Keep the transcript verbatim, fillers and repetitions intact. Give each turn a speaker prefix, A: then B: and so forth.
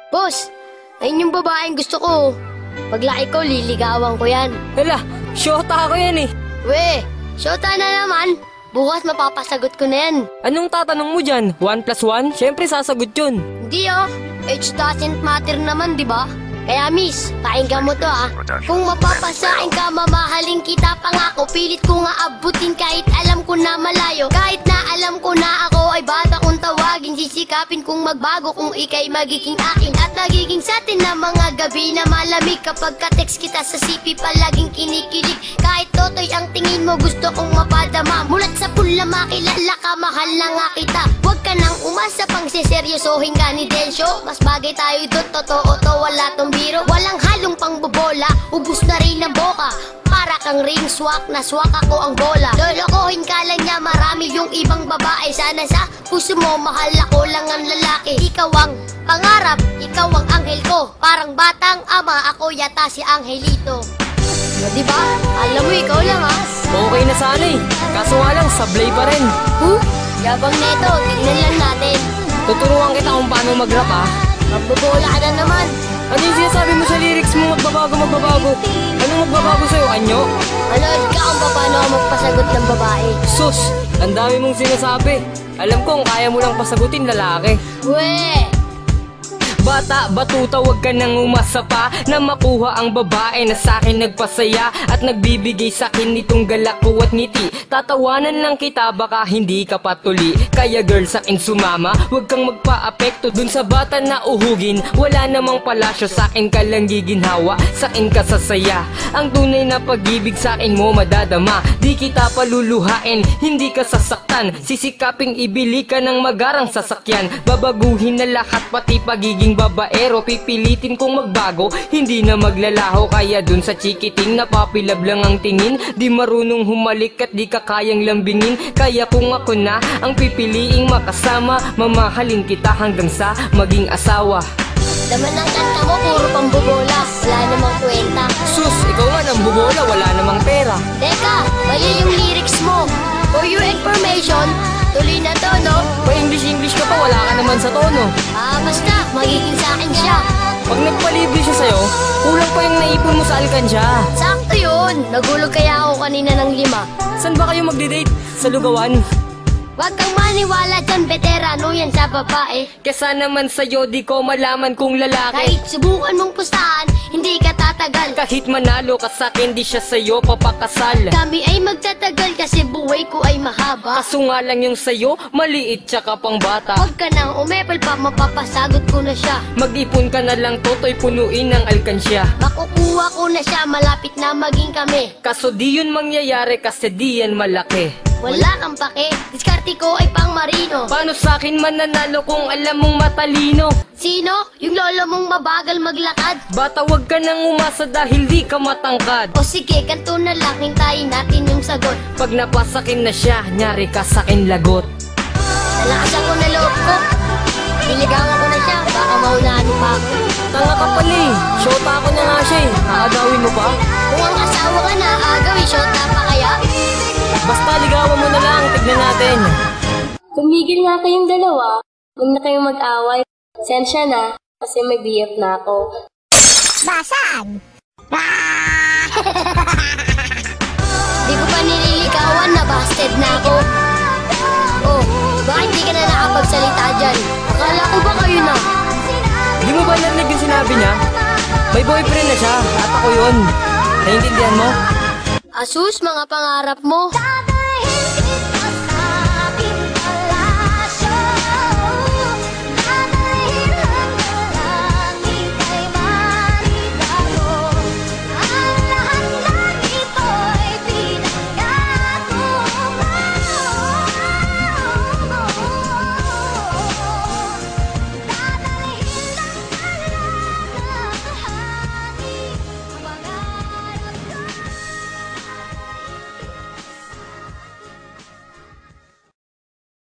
A: Boss, ayun yung babaeng gusto ko. Paglaki ko, liligawan ko yan.
B: Hala, syota ako yan eh.
A: We, syota na naman. Bukas mapapasagot ko na yan.
B: Anong tatanong mo dyan? One plus one? Siyempre sasagot yun.
A: Hindi oh, age doesn't matter naman, di ba? Kaya miss, pakinggan mo to ah. Kung mapapasain ka, mamahalin kita pangako. Pilit ko nga abutin kahit alam ko na malayo. Kahit na alam ko na ako ay bata kong tawagin. Sisikapin kong magbago kung ikay magiging akin. At nagiging sa atin na mga gabi na malamig. Kapag ka-text kita sa C P palaging kinikilig. Kahit totoy ang tingin mo gusto kong mapadama. Mulat sa pula makilala ka, mahal na nga kita. Huwag ka nang umasa pang siseryosohin ka ni Densyo. Mas bagay tayo doon, totoo to, wala tong biro. Walang halong pangbobola, ubus na rin ang boka. Para kang ring swak, na swak ako ang bola. Lolokohin ka lang niya, marami yung ibang babae. Sana sa puso mo, mahal ako lang ang lalaki. Ikaw ang pangarap, ikaw ang anghel ko. Parang batang ama, ako yata si Angelito. O diba? Alam mo, ikaw lang ha.
B: Okay na sana eh. Kaso nga lang, sablay pa rin.
A: Huh? Yabang neto, tignan lang natin.
B: Tuturuan kita kung paano mag-rap ha.
A: Magbobola ka na naman.
B: Ano yung sinasabi mo sa lyrics mo? Magbabago, magbabago. Anong magbabago sa'yo? Anyo?
A: Manood ka kung paano ako magpasagot ng babae.
B: Sus! Ang dami mong sinasabi. Alam kong kaya mo lang pasagutin lalaki.
A: We!
B: Bata, batuta, wag ka nang umasa pa na makuha ang babae na sa'kin nagpasaya at nagbibigay sa'kin nitong galak ko at ngiti. Tatawanan lang kita, baka hindi ka patuli. Kaya girl, sa'kin sumama, wag kang magpa-apekto dun sa bata na uhugin. Wala namang palasyo, sa'kin ka lang giginhawa, sa'kin ka sasaya. Ang tunay na pag-ibig sa'kin mo madadama. Di kita paluluhain, hindi ka sasaktan. Sisikaping ibili ka ng magarang sasakyan. Babaguhin na lahat, pati pagiging babaero. Pipilitin kong magbago, hindi na maglalaho. Kaya dun sa chikiting napapilab lang ang tingin. Di marunong humalik at di ka kayang lambingin. Kaya kung ako na ang pipiliing makasama, mamahalin kita hanggang sa maging asawa.
A: Laman ng kanta mo, puro pambobola. Wala namang kwenta.
B: Sus, ikaw nga nang bubola, wala namang pera.
A: Teka, mali yung lyrics mo. For your information, tuloy na to, no?
B: Pa-English-English ka pa, wala ka naman sa tono.
A: Ah, basta, magiging sa akin siya.
B: Pag nagpalibre siya sa'yo, kulang pa yung naipon mo sa alkansya.
A: Sakto yun. Nagulog kaya ako kanina ng lima.
B: Saan ba kayo magdi-date? Sa lugawan?
A: Huwag kang maniwala dyan, veterano yan sa babae.
B: Kesa naman sa'yo, di ko malaman kung lalaki.
A: Kahit subukan mong pustahan, hindi ka tatagal.
B: Kahit manalo ka sa'kin, di siya sa'yo papakasal.
A: Kami ay magtatagal kasi buhay ko ay mahaba.
B: Kaso nga lang yung sa'yo, maliit tsaka pang bata.
A: Huwag ka nang umepal pa, mapapasagot ko na siya.
B: Mag-ipon ka na lang, toto'y punuin ng alkansya.
A: Makukuha ko na siya, malapit na maging kami.
B: Kaso di yun mangyayari kasi di yan malaki.
A: Wala kang pake, diskarte ko ay pang marino.
B: Paano sa'kin mananalo kung alam mong matalino?
A: Sino? Yung lolo mong mabagal maglakad?
B: Bata, wag ka nang umasa dahil di ka matangkad.
A: O sige, kanto na lang, hintayin natin yung sagot.
B: Pag napasakin na siya, nyari ka sa'kin lagot.
A: Nalakasan ko na loob ko. Niligawan ko na siya, baka maunahan mo pa ako.
B: Tanga ka pala eh, shota ako na nga siya eh. Aagawin mo pa?
A: Kung ang asawa ka na, agawin shota pa kaya?
B: Basta ligawan mo na lang, tignan natin.
C: Tumigil nga kayong dalawa. Huwag na kayong mag-away. Sensya na, kasi may B F na ako.
A: Basag! Di ko pa nililigawan, nabasted na ako. Oh, bakit di ka na nakapagsalita dyan? Akala ko ba kayo na?
B: Di mo ba narinig yung sinabi niya? May boyfriend na siya, at ako yun. Naiintindihan mo?
A: Asus, mga pangarap mo.